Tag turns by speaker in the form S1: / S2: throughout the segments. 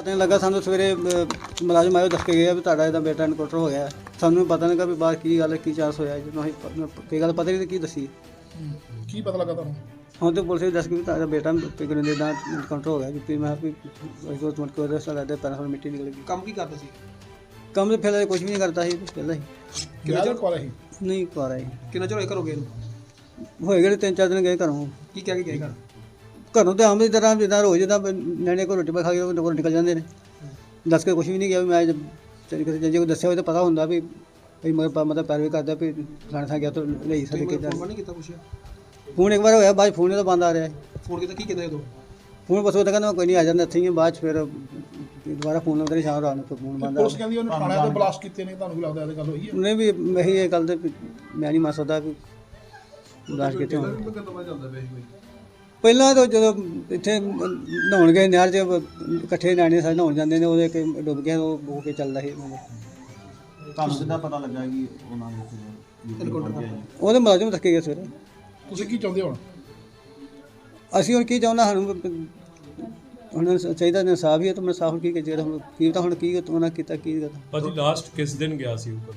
S1: ਪਤਾ ਨਹੀਂ ਲੱਗਾ ਸਾਨੂੰ ਸਵੇਰੇ ਮੁਲਾਜ਼ਮ ਆਇਓ ਦੱਸ ਕੇ ਗਿਆ ਵੀ ਤੁਹਾਡਾ ਇਹਦਾ ਬੇਟਾ ਇਨਕਾਊਂਟਰ ਹੋ ਗਿਆ। ਸਾਨੂੰ ਪਤਾ ਨਹੀਂ ਲੱਗਾ ਵੀ ਬਾਹਰ ਕੀ ਗੱਲ ਕੀ ਚਾਂਸ ਹੋਇਆ, ਜਦੋਂ ਅਸੀਂ ਕੋਈ ਗੱਲ ਪਤਾ ਨਹੀਂ ਕੀ ਦੱਸੀ।
S2: ਕੀ ਪਤਾ ਲੱਗਾ ਤੁਹਾਨੂੰ?
S1: ਹੁਣ ਤੇ ਪੁਲਿਸ ਵੀ ਦੱਸ ਕੇ ਵੀ ਤੁਹਾਡਾ ਬੇਟਾ ਪਿਗਨ ਦਾ ਇਨਕਾਊਂਟਰ ਹੋ ਗਿਆ ਜੀ। ਮੈਂ ਵੀ ਉਸ ਤੋਂ ਮਤ ਉਹਦੇ ਸਾਲੇ ਦੇ ਪੈਰਾਂ ਤੋਂ ਮਿੱਟੀ ਨਿਕਲ ਗਈ।
S3: ਕੰਮ ਕੀ ਕਰਦਾ ਸੀ?
S1: ਕੰਮ ਤੇ ਫਿਰ ਕੁਝ ਵੀ ਨਹੀਂ ਕਰਦਾ ਸੀ ਪਹਿਲਾਂ ਹੀ।
S2: ਕਿੰਨਾ ਚਿਰ ਕੋਲ ਸੀ?
S1: ਨਹੀਂ ਕਰ ਆਈ
S3: ਕਿੰਨਾ ਚਿਰ ਹੋਇਆ ਘਰੋਂ ਗਏ ਨੂੰ?
S1: ਹੋਏ ਗਏ 3-4 ਦਿਨ ਗਏ ਘਰੋਂ।
S3: ਕੀ ਕਹਿ ਕੇ ਗਏ ਘਰ?
S1: ਘਰੋਂ ਤੇ ਆਮ ਦੀ ਤਰ੍ਹਾਂ ਜਿੱਦਾਂ ਰੋਜ਼ ਜਿੱਦਾਂ ਨਿਆਣੇ ਕੋਲ ਰੋਟੀ ਪਾ ਖਾ ਕੇ ਉਹ ਘਰੋਂ ਨਿਕਲ ਜਾਂਦੇ ਨੇ। ਦੱਸ ਕੇ ਕੁਝ ਵੀ ਨਹੀਂ ਗਿਆ ਵੀ ਮੈਂ ਜੇ ਕੋਈ ਦੱਸਿਆ ਹੋਵੇ ਤਾਂ ਪਤਾ ਹੁੰਦਾ ਵੀ ਮਤਲਬ ਪੈਰਵੀ ਕਰਦਾ ਵੀ ਫਲਾਣੇ ਥਾਂ ਗਿਆ ਤਾਂ ਲਈ ਸਾਡੇ
S3: ਤੁਸੀਂ
S1: ਕਿੱਦਾਂ।
S3: ਫੋਨ ਨਹੀਂ ਕੀਤਾ ਪੁੱਛਿਆ?
S1: ਫੋਨ ਇੱਕ ਵਾਰ ਹੋਇਆ, ਬਾਅਦ 'ਚ ਫੋਨ ਤਾਂ ਬੰਦ ਆ ਰਿਹਾ।
S3: ਫੋਨ ਕੀਤਾ, ਕੀ ਕਹਿੰਦੇ ਉਦੋਂ?
S1: ਫੋਨ ਬਸ ਉਹ ਤਾਂ ਕਹਿੰਦਾ ਮੈਂ ਕੋਈ ਨਹੀਂ ਆ ਜਾਂਦਾ ਇੱਥੇ ਹੀ ਹਾਂ। ਬਾਅਦ 'ਚ ਫਿਰ ਦੁਬਾਰਾ ਫੋਨ ਲਾਉਂਦੇ ਨੇ ਸ਼ਾਮ ਰਾਤ ਨੂੰ, ਫਿਰ ਫੋਨ ਬੰਦ ਆ
S2: ਪੁਲਿਸ ਕਹਿੰਦੀ ਉਹਨੇ ਥਾਣਿਆਂ ਤੇ ਬਲਾਸਟ ਕੀਤੇ ਨੇ, ਤੁਹਾਨੂੰ ਕੀ ਲੱਗਦਾ ਇਹ ਗੱਲ ਹੋਈ ਹੈ?
S1: ਉਹਨੇ ਵੀ ਇਹੀ ਇਹ ਗੱਲ ਤੇ ਵੀ ਮੈਂ ਨਹੀਂ ਮੰਨ ਸਕਦਾ ਵੀ ਲਾਸ਼ ਕਿੱਥੇ ਹੋਣ। ਪਹਿਲਾਂ ਤਾਂ ਜਦੋਂ ਇੱਥੇ ਨਹਾਉਣ ਗਏ ਨਹਿਰ 'ਚ ਇਕੱਠੇ ਨਿਆਣੇ ਸਾਰੇ ਨਹਾਉਣ ਜਾਂਦੇ ਨੇ, ਉਹਦੇ ਕਿ ਡੁੱਬ ਗਿਆ ਉਹ ਹੋ ਕੇ ਚੱਲਦਾ ਸੀ।
S4: ਤੁਹਾਨੂੰ ਕਿੱਦਾਂ ਪਤਾ ਲੱਗਾ ਕਿ ਉਹਨਾਂ ਨੇ
S1: ਉਹਦੇ ਮੁਲਾਜ਼ਮ ਰੱਖੇ ਗਏ ਸਵੇਰੇ।
S2: ਤੁਸੀਂ ਕੀ ਚਾਹੁੰਦੇ ਹੋ ਹੁਣ?
S1: ਅਸੀਂ ਹੁਣ ਕੀ ਚਾਹੁੰਦਾ, ਸਾਨੂੰ ਹੁਣ ਚਾਹੀਦਾ ਇਨਸਾਫ ਹੀ ਹੈ। ਤਾਂ ਮੈਂ ਸਾਫ ਕੀ ਜਿਹੜਾ ਹੁਣ ਕੀ ਤਾਂ ਹੁਣ ਕੀ ਉਹਨਾਂ ਕੀਤਾ ਕੀ ਕਰਤਾ।
S5: ਭਾਜੀ ਲਾਸਟ ਕਿਸ ਦਿਨ ਗਿਆ ਸੀ ਉੱਪਰ?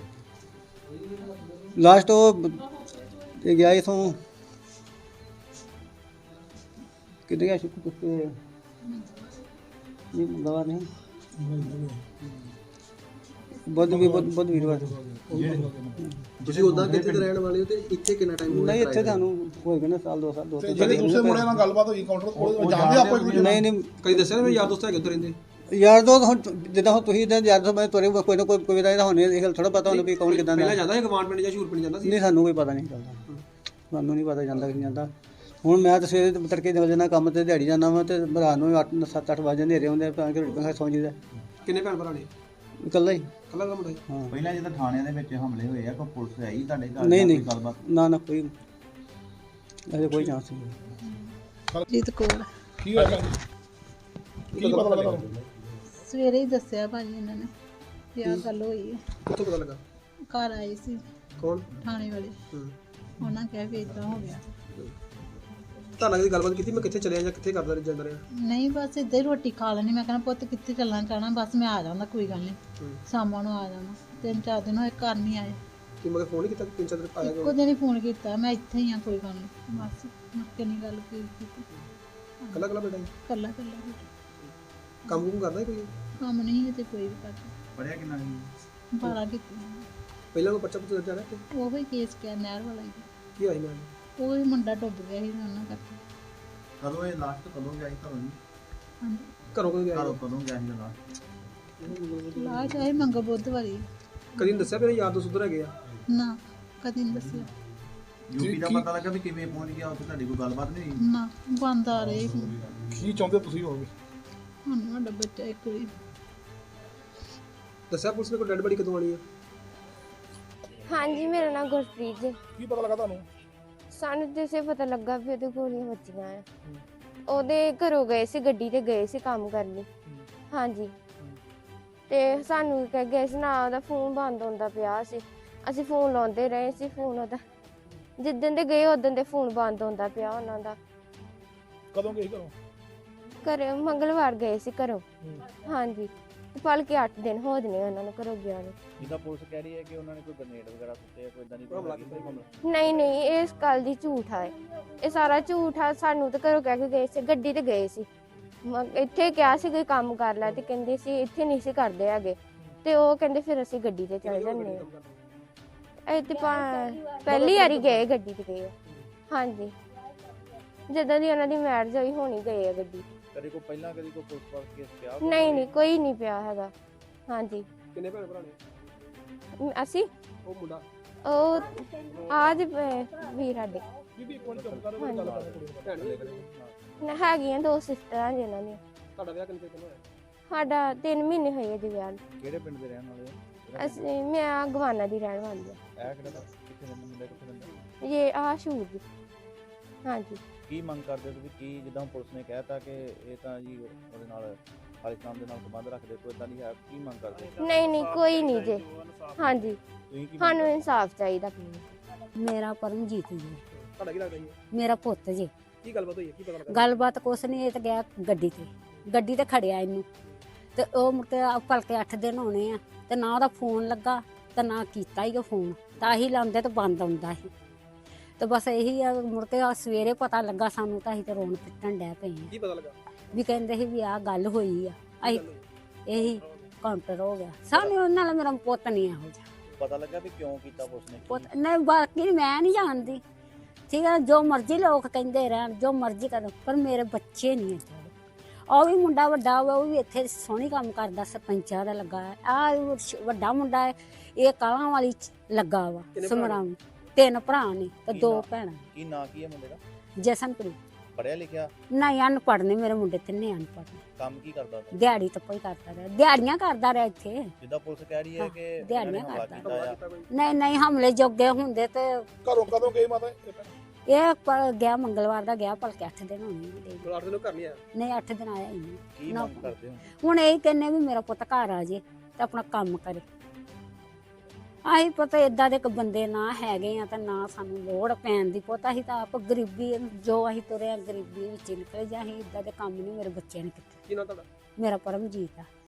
S1: ਲਾਸਟ ਉਹ ਇਹ ਗਿਆ ਇਥੋਂ ਕਿੱਥੇ ਗਿਆ ਸ਼ੁਕਰ ਤੇ ਨਹੀਂ ਮੰਗਵਾ ਨਹੀਂ ਬਹੁਤ ਵੀਰਵਾਰ।
S3: ਤੁਸੀਂ ਉਦਾਂ ਕਿੱਥੇ ਦੇ ਰਹਿਣ ਵਾਲੇ ਹੋ ਤੇ ਇੱਥੇ ਕਿੰਨਾ ਟਾਈਮ ਹੋ ਗਿਆ?
S1: ਨਹੀਂ ਇੱਥੇ ਤੁਹਾਨੂੰ ਹੋਏਗਾ ਨਾ ਸਾਲ 2 ਸਾਲ
S2: ਤੇ ਜਿਹੜੇ ਦੂਸਰੇ ਮੁੰਡੇ ਨਾਲ ਗੱਲਬਾਤ ਹੋਈ ਕਾਊਂਟਰ ਕੋਲ, ਜਾਣਦੇ ਆਪੋ ਇੱਕ ਦੂਜੇ
S1: ਨਹੀਂ ਨਹੀਂ
S3: ਕਈ ਦੱਸਿਆ ਨਾ ਮੇਰੇ ਯਾਰ ਦੋਸਤ ਹੈਗੇ ਉੱਧਰ ਰਹਿੰਦੇ।
S1: ਯਾਰ ਦੋ ਹੁਣ ਜਿੱਦਾਂ ਹੁਣ ਤੁਸੀਂ ਇਦਾਂ ਯਾਰ ਦੋ ਮੈਂ ਤੁਹਾਡੇ ਕੋਈ ਨਾ ਕੋਈ ਦਾ ਹੋਣੇ ਇਹ ਗੱਲ ਥੋੜਾ ਪਤਾ ਹੁੰਦਾ ਵੀ ਕੌਣ ਕਿਦਾਂ ਦਾ।
S3: ਪਹਿਲਾਂ ਜਾਂਦਾ ਸੀ ਗਵਾਂਡ ਪਿੰਡ ਜਾਂ ਸ਼ੂਰ ਪਿੰਡ ਜਾਂਦਾ ਸੀ?
S1: ਨਹੀਂ ਸਾਨੂੰ ਕੋਈ ਪਤਾ ਨਹੀਂ ਚੱਲਦਾ, ਸਾਨੂੰ ਨਹੀਂ ਪਤਾ ਜਾਂਦਾ ਕਿ ਨਹੀਂ ਜਾਂਦਾ। ਹੁਣ ਮੈਂ ਤਾਂ ਸਵੇਰੇ ਤੜਕੇ ਨਿਕਲ ਜਾਂਦਾ ਕੰਮ ਤੇ, ਦਿਹਾੜੀ ਜਾਂਦਾ ਵਾ ਤੇ ਰਾਤ ਨੂੰ 7-8 ਵਜੇ ਹਨੇਰੇ ਹੁੰਦੇ ਤਾਂ ਕਿ ਰੋਟੀ ਖਾ ਸੌਂ ਜੀਦਾ।
S3: ਕਿੰਨੇ ਭੈਣ ਭਰਾ ਨੇ?
S1: ਇਕੱਲਾ ਹੀ।
S3: ਕੱਲਾ ਦਾ ਮੁੰਡਾ?
S1: ਹਾਂ
S4: ਪਹਿਲਾਂ ਜਦੋਂ ਥਾਣਿਆਂ ਦੇ ਵਿੱਚ ਹਮਲੇ ਹੋਏ ਆ ਕੋਈ ਪੁਲਿਸ ਆਈ ਤੁਹਾਡੇ ਘਰ?
S1: ਨਹੀਂ ਨਹੀਂ
S4: ਗੱਲਬਾਤ
S1: ਨਾ ਕੋਈ ਅਜੇ ਕੋਈ ਚਾਂਸ ਨਹੀਂ।
S6: ਜੀਤ ਕੌਰ।
S2: ਕੀ ਹੋਇਆ ਭੈਣ ਜੀ? ਕੀ ਪਤਾ ਲੱਗਾ ਤੁਹਾਨੂੰ?
S6: ਸਵੇਰੇ ਹੀ ਦੱਸਿਆ ਭਾਜੀ ਇਹਨਾਂ ਨੇ ਕਿ ਆਹ ਗੱਲ ਹੋਈ ਹੈ।
S3: ਕਿੱਥੋਂ ਪਤਾ ਲੱਗਾ?
S6: ਘਰ ਆਏ ਸੀ
S3: ਕੌਣ?
S6: ਥਾਣੇ ਵਾਲੇ, ਉਹਨਾਂ ਕਿਹਾ ਵੀ ਇਦਾਂ ਹੋ ਗਿਆ।
S3: ਤਾਂ ਲੱਗਦੀ ਗੱਲਬਾਤ ਕੀਤੀ ਮੈਂ ਕਿੱਥੇ ਚਲਿਆ ਜਾਂ ਕਿੱਥੇ ਕਰਦਾ ਜਾਂਦਾ ਰਿਹਾ?
S6: ਨਹੀਂ ਬਸ ਇੱਦਾਂ ਹੀ ਰੋਟੀ ਖਾ ਲੈਣੀ। ਮੈਂ ਕਹਿੰਦਾ ਪੁੱਤ ਕਿੱਥੇ ਚੱਲਣਾ ਚਾਹਣਾ, ਬਸ ਮੈਂ ਆ ਜਾਂਦਾ ਕੋਈ ਗੱਲ ਨਹੀਂ, ਸ਼ਾਮਾਂ ਨੂੰ ਆ ਜਾਣਾ। 3-4 ਦਿਨ ਹੋਏ ਘਰ ਨਹੀਂ ਆਏ।
S3: ਕਿ ਮਗਰ ਫੋਨ ਨਹੀਂ ਕੀਤਾ ਕਿ 3-4 ਦਿਨ ਆਇਆ
S6: ਇੱਕੋ ਦਿਨ ਹੀ ਫੋਨ ਕੀਤਾ, ਮੈਂ ਇੱਥੇ ਹੀ ਆ ਕੋਈ ਗੱਲ ਨਹੀਂ, ਬਸ ਮੁੜ ਕੇ ਨਹੀਂ ਗੱਲ ਕੀਤੀ।
S3: ਕੱਲਾ ਕੱਲਾ ਬੇਟਾ?
S6: ਕੱਲਾ ਕੱਲਾ
S3: ਕੰਮ ਕੁਮ ਕਰਦਾ ਸੀ ਕੋਈ?
S6: ਕੰਮ ਨਹੀਂ ਕਿਤੇ ਕੋਈ ਵੀ ਕਰਦਾ।
S4: ਪੜਿਆ ਕਿੰਨਾ ਸੀ?
S6: 12 ਕੀਤੀ।
S3: ਪਹਿਲਾਂ ਕੋਈ ਬੱਚਾ ਪੁੱਛ ਜਾ ਰਿਹਾ ਤੇ
S6: ਉਹ ਹੀ ਕੇਸ ਕਿਆ ਨਹਿਰ ਵਾਲਾ ਹੀ,
S3: ਕੀ ਆਈ ਮੈਂ?
S6: ਉਹ ਹੀ ਮੁੰਡਾ ਡੁੱਬ ਗਿਆ ਸੀ ਉਹਨਾਂ ਕਰਕੇ।
S4: ਕਦੋਂ ਇਹ ਲਾਸਟ ਕਦੋਂ ਗਿਆ ਸੀ ਤੁਹਾਨੂੰ?
S6: ਹਾਂਜੀ
S3: ਘਰੋਂ ਕਦੋਂ ਗਿਆ?
S4: ਘਰੋਂ ਕਦੋਂ ਗਿਆ ਸੀ ਲਾਸਟ?
S6: ਲਾ ਚਾਹੇ ਮੰਗ ਬੁੱਧ ਵਾਰੀ
S3: ਕਦੀ ਨਹੀਂ ਦੱਸਿਆ ਮੇਰੇ ਯਾਰ ਦੋਸਤ ਉੱਧਰ ਹੈਗੇ ਆ?
S6: ਨਾ ਕਦੀ ਨਹੀਂ ਦੱਸਿਆ।
S4: ਯੂਪੀ ਦਾ ਪਤਾ ਲੱਗਾ ਵੀ ਕਿਵੇਂ ਪਹੁੰਚ ਗਿਆ ਉੱਥੇ? ਤੁਹਾਡੀ ਕੋਈ ਗੱਲਬਾਤ ਨਹੀਂ ਹੋਈ?
S6: ਨਾ ਬੰਦ ਆ ਰਹੇ ਹੁਣ।
S2: ਕੀ ਚਾਹੁੰਦੇ ਤੁਸੀਂ ਹੋਵੇ?
S6: ਹੁਣ ਸਾਡਾ ਬੱਚਾ ਇੱਕ ਵਾਰੀ
S3: ਦੱਸਿਆ ਪੁਲਿਸ ਨੇ ਕੋਈ ਡੈਡ ਬੜੀ ਕਦੋਂ ਆਣੀ ਆ?
S7: ਹਾਂਜੀ ਮੇਰਾ ਨਾਮ ਗੁਰਪ੍ਰੀਤ ਜੀ।
S2: ਕੀ ਪਤਾ ਲੱਗਾ ਤੁਹਾਨੂੰ?
S7: ਸਾਨੂੰ ਜਿਸੇ ਪਤਾ ਲੱਗਾ ਵੀ ਉਹਦੇ ਗੋਲੀਆਂ ਵੱਜੀਆਂ ਆ। ਉਹਦੇ ਘਰੋਂ ਗਏ ਸੀ, ਗੱਡੀ ਤੇ ਗਏ ਸੀ ਕੰਮ ਕਰਨ ਲਈ। ਹਾਂਜੀ ਤੇ ਸਾਨੂੰ ਕਹਿ ਗਏ ਸੀ ਨਾ, ਉਹਦਾ ਫੋਨ ਬੰਦ ਹੁੰਦਾ ਪਿਆ ਸੀ। ਅਸੀਂ ਫੋਨ ਲਾਉਂਦੇ ਰਹੇ ਸੀ, ਫੋਨ ਉਹਦਾ ਜਿੱਦਣ ਦੇ ਗਏ ਉਦੋਂ ਦੇ ਫੋਨ ਬੰਦ ਹੁੰਦਾ ਪਿਆ ਉਹਨਾਂ ਦਾ।
S2: ਕਦੋਂ ਗਏ ਘਰੋਂ?
S7: ਘਰੇ ਮੰਗਲਵਾਰ ਗਏ ਸੀ ਘਰੋਂ। ਹਾਂਜੀ ਤੇ ਭਲਕੇ 8 ਦਿਨ ਹੋ ਜਨੇ ਉਹਨਾਂ ਨੂੰ ਘਰੋਂ ਗਿਆ ਨੂੰ।
S4: ਜਿੱਦਾਂ ਪੁਲਿਸ ਕਹਿ ਰਹੀ ਹੈ ਕਿ ਉਹਨਾਂ ਨੇ ਕੋਈ ਗ੍ਰੇਨੇਡ ਵਗੈਰਾ ਸੁੱਟੇ ਕੋਈ ਇਦਾਂ ਦੀ
S7: ਨਹੀਂ ਨਹੀਂ ਇਸ ਗੱਲ ਦੀ ਝੂਠ ਹੈ, ਇਹ ਸਾਰਾ ਝੂਠ ਆ। ਸਾਨੂੰ ਤਾਂ ਘਰੋਂ ਕਹਿ ਕੇ ਗਏ ਸੀ, ਗੱਡੀ ਤੇ ਗਏ ਸੀ। ਇੱਥੇ ਕਿਹਾ ਸੀ ਕੋਈ ਕੰਮ ਕਰ ਲੈ ਤੇ ਕਹਿੰਦੇ ਸੀ ਇੱਥੇ ਨਹੀਂ ਸੀ ਕਰਦੇ ਹੈਗੇ, ਤੇ ਉਹ ਕਹਿੰਦੇ ਫਿਰ ਅਸੀਂ ਗੱਡੀ ਤੇ ਚਲੇ ਜਾਂਦੇ ਹਾਂ। ਇਹ ਤੇ ਪਹਿਲੀ ਵਾਰੀ ਗਏ ਗੱਡੀ ਤੇ ਗਏ। ਹਾਂਜੀ ਜਦੋਂ ਦੀ ਉਹਨਾਂ ਦੀ ਮੈਰਿਜ ਹੋਈ ਹੋਣੀ ਗਏ ਆ ਗੱਡੀ।
S4: ਕਦੇ ਕੋਈ ਪਹਿਲਾਂ ਕਦੀ ਕੋਈ ਪੁਲਿਸ ਵਾਲਾ ਕੇਸ ਪਿਆ?
S7: ਨਹੀਂ ਨਹੀਂ ਕੋਈ ਨਹੀਂ ਪਿਆ ਹੈਗਾ। ਹਾਂਜੀ
S3: ਕਿੰਨੇ ਭੈਣ ਭਰਾ ਨੇ?
S7: ਅਸੀਂ
S3: ਉਹ ਮੁੰਡਾ
S7: ਉਹ ਆਜ ਵੀਰ ਸਾਡੇ
S2: ਬੀਬੀ ਇੱਕ ਮਿੰਟ ਚੁੱਪ ਕਰੋ, ਕੋਈ ਗੱਲ ਕਰਨੀ ਕੁੜੀ ਨਾਲ।
S3: ਭੈਣ ਵੀ
S7: ਹੈਗੀਆਂ 2 ਸਿਸਟਰਾਂ ਜਿਨ੍ਹਾਂ ਦੀਆਂ।
S3: ਤੁਹਾਡਾ ਵਿਆਹ ਕਿੰਨੇ ਚਿਰ ਹੋਇਆ?
S7: ਸਾਡਾ 3 ਮਹੀਨੇ ਹੋਏ ਜੀ ਵਿਆਹ ਨੂੰ।
S4: ਕਿਹੜੇ ਪਿੰਡ ਦੇ ਰਹਿਣ ਵਾਲੇ ਆ?
S7: ਅਸੀਂ ਮੈਂ ਗਵਾਨਾ ਦੀ ਰਹਿਣ ਵਾਲੀ ਆ।
S4: ਇਹ ਕਿਹੜਾ ਕਿੱਥੇ ਰਹਿੰਦੇ ਮੁੰਡੇ, ਕਿੱਥੇ ਰਹਿੰਦੇ?
S7: ਇਹ ਸ਼ੂਰ ਦੀ। ਹਾਂਜੀ
S4: ਕੀ ਮੰਗ ਕਰਦੇ ਤੁਸੀਂ? ਕੀ ਜਿੱਦਾਂ ਪੁਲਿਸ ਨੇ ਕਹਿਤਾ ਕਿ ਇਹ ਤਾਂ ਜੀ ਉਹਦੇ ਨਾਲ ਖਾਲਿਸਤਾਨ ਦੇ ਨਾਲ ਸੰਬੰਧ ਰੱਖਦੇ, ਕੋਈ ਇਦਾਂ ਨਹੀਂ ਹੈ? ਕੀ ਮੰਗ ਕਰਦੇ?
S7: ਨਹੀਂ ਨਹੀਂ ਕੋਈ ਨਹੀਂ ਜੇ। ਹਾਂਜੀ
S4: ਤੁਸੀਂ ਕੀ
S7: ਸਾਨੂੰ ਇਨਸਾਫ ਚਾਹੀਦਾ।
S8: ਮੇਰਾ ਪਰਮਜੀਤ ਜੀ,
S3: ਤੁਹਾਡਾ ਕੀ ਲੱਗਦਾ ਜੀ?
S8: ਮੇਰਾ ਪੁੱਤ ਜੀ।
S3: ਕੀ ਗੱਲਬਾਤ ਹੋਈ ਹੈ? ਕੀ ਪਤਾ ਲੱਗਾ?
S8: ਗੱਲਬਾਤ ਕੁਛ ਨਹੀਂ, ਇਹ ਤਾਂ ਗਿਆ ਗੱਡੀ ਤੇ ਖੜਿਆ ਇਹਨੂੰ ਤੇ ਉਹ ਮੁੜ ਕੇ ਭਲਕੇ 8 ਦਿਨ ਹੋਣੇ ਆ ਤੇ ਨਾ ਉਹਦਾ ਫੋਨ ਲੱਗਾ ਤੇ ਨਾ ਕੀਤਾ ਹੀ ਉਹ ਫੋਨ, ਤਾਂ ਹੀ ਲਾਉਂਦੇ ਤੇ ਬੰਦ ਆਉਂਦਾ ਸੀ। ਤੇ ਬਸ ਇਹੀ ਆ, ਮੁੜ ਕੇ ਸਵੇਰੇ ਪਤਾ ਲੱਗਾ ਸਾਨੂੰ ਤਾਂ ਅਸੀਂ ਤੇ ਰੋਣ ਪਿੱਟਣ ਡੈ ਪਏ ਆ।
S3: ਕੀ ਪਤਾ ਲੱਗਾ?
S8: ਵੀ ਕਹਿੰਦੇ ਸੀ ਵੀ ਆਹ ਗੱਲ ਹੋਈ ਆ, ਅਸੀਂ ਇਹੀ ਕਾਊਂਟਰ ਹੋ ਗਿਆ। ਸਾਨੂੰ ਉਹਨਾਂ ਨਾਲ ਮੇਰਾ ਪੁੱਤ ਨਹੀਂ ਇਹੋ ਜਿਹਾ
S4: ਪਤਾ ਲੱਗਾ ਵੀ ਕਿਉਂ ਕੀਤਾ ਪੁਲਿਸ ਨੇ?
S8: ਪੁੱਤ ਨਹੀਂ, ਬਾਕੀ ਮੈਂ ਨਹੀਂ ਜਾਣਦੀ, ਠੀਕ ਹੈ, ਜੋ ਮਰਜ਼ੀ ਲੋਕ ਕਹਿੰਦੇ ਰਹਿਣ, ਜੋ ਮਰਜ਼ੀ ਕਰਨ, ਪਰ ਮੇਰੇ ਬੱਚੇ ਨਹੀਂ ਏਦਾਂ ਦੇ। ਉਹ ਵੀ ਮੁੰਡਾ ਵੱਡਾ ਵਾ, ਉਹ ਵੀ ਇੱਥੇ ਸੋਹਣੀ ਕੰਮ ਕਰਦਾ, ਸਰਪੰਚਾਂ ਦਾ ਲੱਗਾ ਹੈ। ਆ ਵੱਡਾ ਮੁੰਡਾ ਹੈ, ਇਹ ਕਾਲਾਂ ਵਾਲੀ ਚ ਲੱਗਾ ਵਾ ਸਮਰਾਮ। 3 ਭਰਾ ਨੇ ਤੇ 2 ਭੈਣਾਂ।
S4: ਕੀ ਨਾਂ ਕੀ ਹੈ ਮੁੰਡੇ ਦਾ?
S8: ਜਸਨਪ੍ਰੀਤ।
S4: ਪੜਿਆ ਲਿਖਿਆ?
S8: ਨਹੀਂ, ਅਨਪੜ੍ਹ ਨੇ ਮੇਰੇ ਮੁੰਡੇ, 3 ਅਨਪੜ੍ਹ ਨੇ।
S4: ਕੰਮ ਕੀ ਕਰਦਾ ਉਹ?
S8: ਦਿਹਾੜੀ ਤੱਪਾ ਹੀ ਕਰਦਾ ਰਿਹਾ, ਦਿਹਾੜੀਆਂ ਕਰਦਾ ਰਿਹਾ ਇੱਥੇ।
S4: ਜਿੱਦਾਂ ਪੁਲਿਸ ਕਹਿ ਰਹੀ ਹੈ ਕਿ ਇਹਨਾਂ ਨੇ
S8: ਦਿਹਾੜੀਆਂ
S4: ਹਮਲਾ
S8: ਕਰਦਾ।
S4: ਕੀਤਾ ਆ।
S8: ਨਹੀਂ ਨਹੀਂ, ਹਮਲੇ ਜੋਗੇ ਹੁੰਦੇ ਤੇ
S2: ਘਰੋਂ ਕਦੋਂ ਗਏ ਮਾਤਾ
S8: ਇਹ ਗਿਆ ਮੰਗਲਵਾਰ ਦਾ ਗਿਆ, ਭਲਕੇ 8 ਦਿਨ ਹੋਣੇ ਨੇ।
S3: 8 ਦਿਨ ਘਰ ਨਹੀਂ ਆਇਆ?
S8: ਨਹੀਂ, 8 ਦਿਨ ਆਇਆ ਹੀ ਨਹੀਂ।
S4: ਕੀ
S8: ਨਾ।
S4: ਮੰਗ ਕਰਦੇ ਹੋ?
S8: ਹੁਣ ਇਹ ਕਹਿੰਨੇ ਵੀ ਮੇਰਾ ਪੁੱਤ ਘਰ ਆ ਜੇ ਤੇ ਆਪਣਾ ਕੰਮ ਕਰੇ। ਆਹੀ ਪਤਾ ਏਦਾਂ ਦੇ ਬੰਦੇ ਨਾ ਹੈਗੇ ਆ, ਤਾਂ ਨਾ ਸਾਨੂੰ ਲੋੜ ਪੈਣ ਦੀ। ਪੁੱਤ ਅਸੀਂ ਤਾਂ ਆਪ ਗਰੀਬੀ, ਜੋ ਅਸੀਂ ਤੁਰੇ ਆ ਗਰੀਬੀ ਵਿੱਚ ਨਿਕਲੇ, ਜਾਂ ਅਸੀਂ ਏਦਾਂ ਦੇ ਕੰਮ ਨਹੀਂ ਮੇਰੇ ਬੱਚਿਆਂ ਨੇ ਕੀਤੇ।
S3: ਕੀ ਨਾਂ ਤੁਹਾਡਾ?
S8: ਮੇਰਾ ਪਰਮਜੀਤ ਆ।